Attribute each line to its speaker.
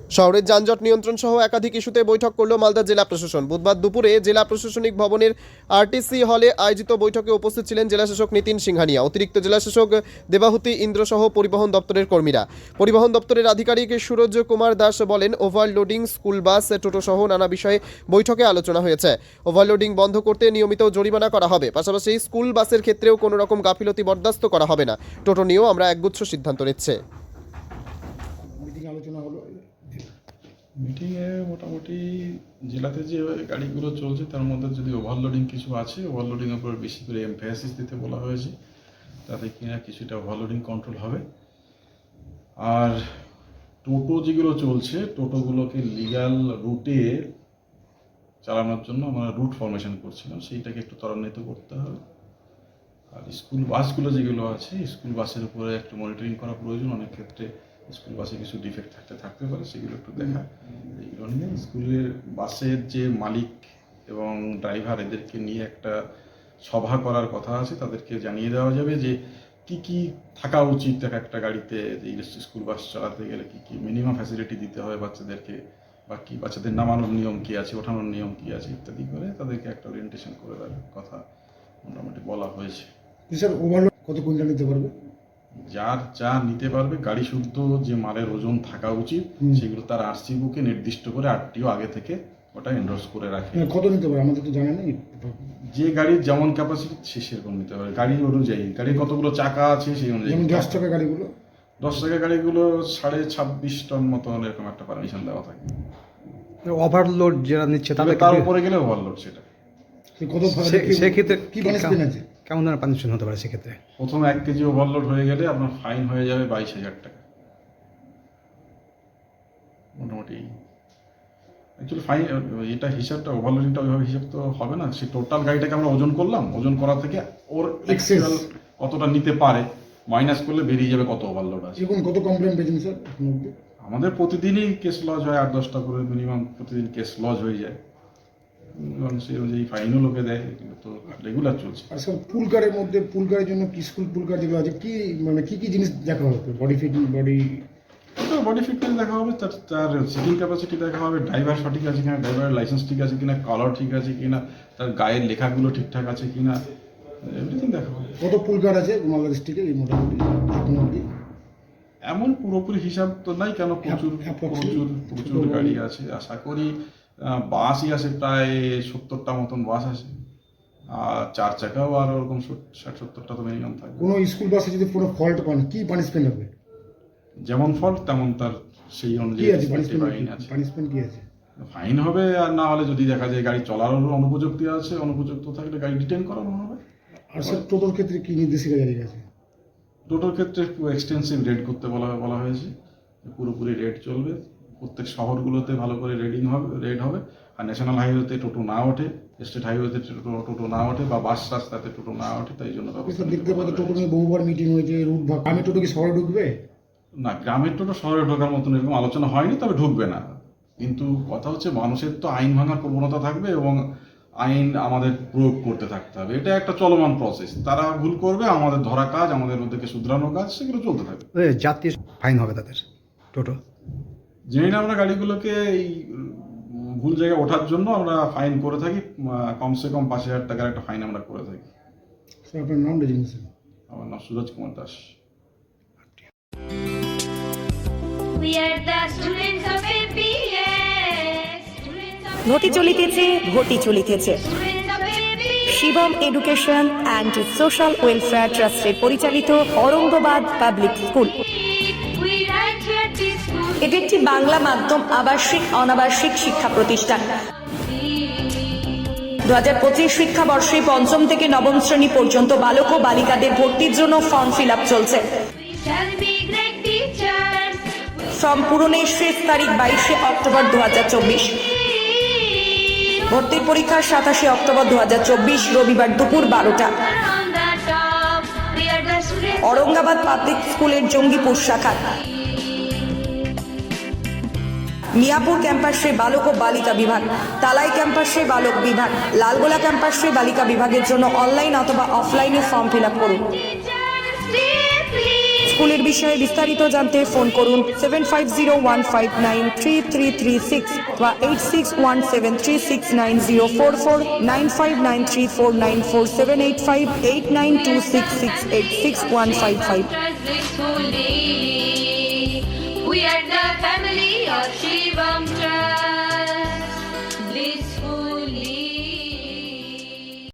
Speaker 1: শহরের যানজট নিয়ন্ত্রণ সহ একাধিক ইস্যুতে বৈঠক করল মালদা জেলা প্রশাসন। বুধবার দুপুরে জেলা প্রশাসনিক ভবনের আরটিসি হলে আয়োজিত বৈঠকে উপস্থিত ছিলেন জেলাশাসক নিতিন সিংহানিয়া, অতিরিক্ত জেলাশাসক দেবাহুতি ইন্দ্র সহ পরিবহন দপ্তরের কর্মীরা। পরিবহন দপ্তরের আধিকারিক সুরজ কুমার দাস বলেন, ওভারলোডিং, স্কুল বাস, টোটো সহ নানা বিষয়ে বৈঠকে আলোচনা হয়েছে। ওভারলোডিং বন্ধ করতে নিয়মিত জরিমানা করা হবে, পাশাপাশি স্কুল বাসের ক্ষেত্রেও কোনো রকম গাফিলতি বরদাস্ত করা হবে না। টোটো নিয়েও আমরা একগুচ্ছ সিদ্ধান্ত নিচ্ছে।
Speaker 2: আলোচনা হলো
Speaker 3: মিটিংয়ে মোটামুটি জেলাতে যে গাড়িগুলো চলছে তার মধ্যে যদি ওভারলোডিং কিছু আছে, ওভারলোডিংয়ের উপর বেশি করে এমফাসিস দিতে বলা হয়েছে, তাতে কিনা কিছুটা ওভারলোডিং কন্ট্রোল হবে। আর টোটো যেগুলো চলছে, টোটোগুলোকে লিগ্যাল রুটে চালানোর জন্য আমরা রুট ফরমেশন করছিলাম, সেইটাকে একটু ত্বরান্বিত করতে হবে। আর স্কুল বাসগুলো যেগুলো আছে, স্কুল বাসের উপরে একটু মনিটরিং করা প্রয়োজন। অনেক ক্ষেত্রে স্কুল বাসে কিছু ডিফেক্ট থাকতে পারে, সেগুলো একটু দেখা। এইগুলো নিয়ে স্কুলের বাসের যে মালিক এবং ড্রাইভার, এদেরকে নিয়ে একটা সভা করার কথা আছে। তাদেরকে জানিয়ে দেওয়া যাবে যে কি কি থাকা উচিত একটা গাড়িতে, যে স্কুল বাস চালাতে গেলে কি কি মিনিমাম ফ্যাসিলিটি দিতে হবে বাচ্চাদেরকে, বা কি বাচ্চাদের নামানোর নিয়ম কি আছে, ওঠানোর নিয়ম কি আছে ইত্যাদি করে তাদেরকে একটা ওরিয়েন্টেশন করে দেওয়ার কথা মোটামুটি বলা হয়েছে।
Speaker 2: স্যার, ওভারলোড কত কুইন্টাল নিতে পারবে?
Speaker 3: যার যা নিতে পারবে, গাড়ি শুদ্ধ যে মালের ওজন থাকা উচিত সেগুলো তার আরসি বুকে নির্দিষ্ট করে আরটিও আগে থেকে ওটা এন্ডোর্স করে রাখে।
Speaker 2: কত নিতে পারে আমাদের তো জানা নেই।
Speaker 3: যে গাড়ির যেমন ক্যাপাসিটি সে সেরকম নিতে পারে, গাড়ি অনুযায়ী, গাড়ির কতগুলো চাকা আছে সেই অনুযায়ী।
Speaker 2: 10 টাকা গাড়িগুলো
Speaker 3: 10 টাকা গাড়িগুলো 26.5 টন মতো এরকম একটা পারমিশন দেওয়া থাকে।
Speaker 4: ওভারলোড যারা নিচ্ছে
Speaker 3: তার উপরে গেলে ওভারলোড, সেটা
Speaker 2: কত
Speaker 4: সেক্ষেত্রে
Speaker 2: কি পানিশমেন্ট আছে?
Speaker 4: কেমন ধরনের পানিশমেন্ট হতে পারে সেক্ষেত্রে?
Speaker 3: প্রথম 1 কেজি ওভারলোড হয়ে গেলে আপনার ফাইন হয়ে যাবে 22,000 টাকা মোটামুটি। অ্যাকচুয়ালি ফাইন এটা হিসাবটা, ওভারলোডিংটা ওইভাবে হিসাব তো হবে না। সে টোটাল গাড়িটাকে আমরা ওজন করলাম, ওজন করা থেকে ওর এক্সেল কতটা নিতে পারে মাইনাস করলে বেরিয়ে যাবে কত ওভারলোড আছে।
Speaker 2: এখন কত কমপ্লেন পেয়েছেন স্যার?
Speaker 3: আমাদের প্রতিদিনই কেস লজ হয়, 8-10টা করে মিনিমাম প্রতিদিন কেস লজ হয়ে যায়। সেই অনুযায়ী ফাইনও লোকে দেয়, কিন্তু তো রেগুলার চলছে।
Speaker 2: আর স্যার, পুলকারের মধ্যে, পুলকারের জন্য কি স্কুল পুলকার যেগুলো আছে, কি মানে কি কি জিনিস দেখা হবে? বডি ফিটিং,
Speaker 3: বডি ফিটনেস দেখা হবে, তার সিটিং ক্যাপাসিটি দেখা হবে, ড্রাইভার সঠিক আছে কিনা, ড্রাইভারের লাইসেন্স ঠিক আছে কিনা, কালার ঠিক আছে কিনা, তার গায়ের লেখাগুলো ঠিকঠাক আছে কিনা, এভরিথিং দেখা হবে।
Speaker 2: কত পুলকার আছে মালদা ডিস্ট্রিক্টে এই মোটামুটি এখন অবধি?
Speaker 3: এমন পুরোপুরি হিসাব তো নাই, কেন প্রচুর প্রচুর প্রচুর গাড়ি আছে। আশা করি বাসই আছে প্রায় 70টা মতন বাস আছে, আর 4 চাকাও আর ওরকম 60-70টা তো মিনিমাম থাকবে।
Speaker 2: কোনো স্কুল বাসে যদি কোনো ফল্ট পান, কি পানিশমেন্ট হবে?
Speaker 3: যেমন ফল্ট তেমন তার সেই
Speaker 2: কি
Speaker 3: অনুযায়ী
Speaker 2: আছে
Speaker 3: পানিশমেন্ট
Speaker 2: কি আছে?
Speaker 3: ফাইন হবে, আর না হলে যদি দেখা যায় গাড়ি চলারও অনুপযুক্তি আছে, অনুপযুক্ত থাকলে গাড়ি ডিটেইন করানো হবে।
Speaker 2: আর স্যার, টোটোর ক্ষেত্রে কি নির্দেশিকা জারি আছে?
Speaker 3: টোটোর ক্ষেত্রে এক্সটেন্সিভ রেড করতে বলা হয়েছে, পুরোপুরি রেড চলবে। প্রত্যেক শহরগুলোতে ভালো করে রেড হবে। আর ন্যাশনাল হাইওয়েতে টোটো না ওঠে, স্টেট হাইওয়েতে টোটো না ওঠে, বা বাস রাস্তাতে টোটো না ওঠে, তাই জন্য
Speaker 2: দেখতে পাচ্ছি টোটো নিয়ে বহুবার মিটিং হয়েছে, রুট ভাগ। আমি টোটো কি শহরে ঢুকবে?
Speaker 3: না, গ্রামের টোটো শহরে ঢোকার মতন এরকম আলোচনা হয়নি, তবে ঢুকবে না। কিন্তু কথা হচ্ছে, মানুষের তো আইন ভাঙার প্রবণতা থাকবে এবং আইন আমাদের প্রয়োগ করতে থাকতে হবে। এটা একটা চলমান প্রসেস। তারা ভুল করবে, আমাদের ধরা কাজ, আমাদের মধ্যে শুধরানো কাজ, সেগুলো চলতে থাকবে।
Speaker 4: জাতীয় ফাইন হবে তাদের টোটো।
Speaker 3: জেনে না, আমরা গাড়িগুলোকে এই ভুল জায়গায় ওঠার জন্য আমরা ফাইন করে থাকি, কমসে কম 5,000 টাকার একটা ফাইন আমরা করে থাকি।
Speaker 2: স্যার, আপনার নাম রেজিস্ট্রেশন?
Speaker 3: আমার নাম সুরজ কুমার দাস।
Speaker 5: ঘটি চলিতেছে Shivam education and social welfare ট্রাস্টের পরিচালিত অরঙ্গবাদ পাবলিক স্কুল। এটি একটি বাংলা মাধ্যম আবাসিক অনাবাসিক শিক্ষা প্রতিষ্ঠান। 2025 শিক্ষাবর্ষে 5ম থেকে 9ম শ্রেণী পর্যন্ত বালক ও বালিকাদের ভর্তির জন্য ফর্ম ফিল আপ চলছে। ফর্ম পূরণের শেষ তারিখ 22শে অক্টোবর 2024। ভর্তির পরীক্ষা 27শে অক্টোবর 2024 রবিবার দুপুর 12টা। औरंगाबाद पाब्लिक स्कूलेर जंगीपुर शाखा मियापुर कैम्पासे बालक और बालिका विभाग, तालाई कैम्पासे बालक विभाग, लालगोला कैम्पासे बालिका विभागेर जोन्नो अनलाइन अथवा अफलाइने फर्म फिल आप करुन। স্কুলের বিষয়ে বিস্তারিত জানতে ফোন করুন 7501593336 বা 8617369044 9593494785 8926686155.
Speaker 6: We are the family of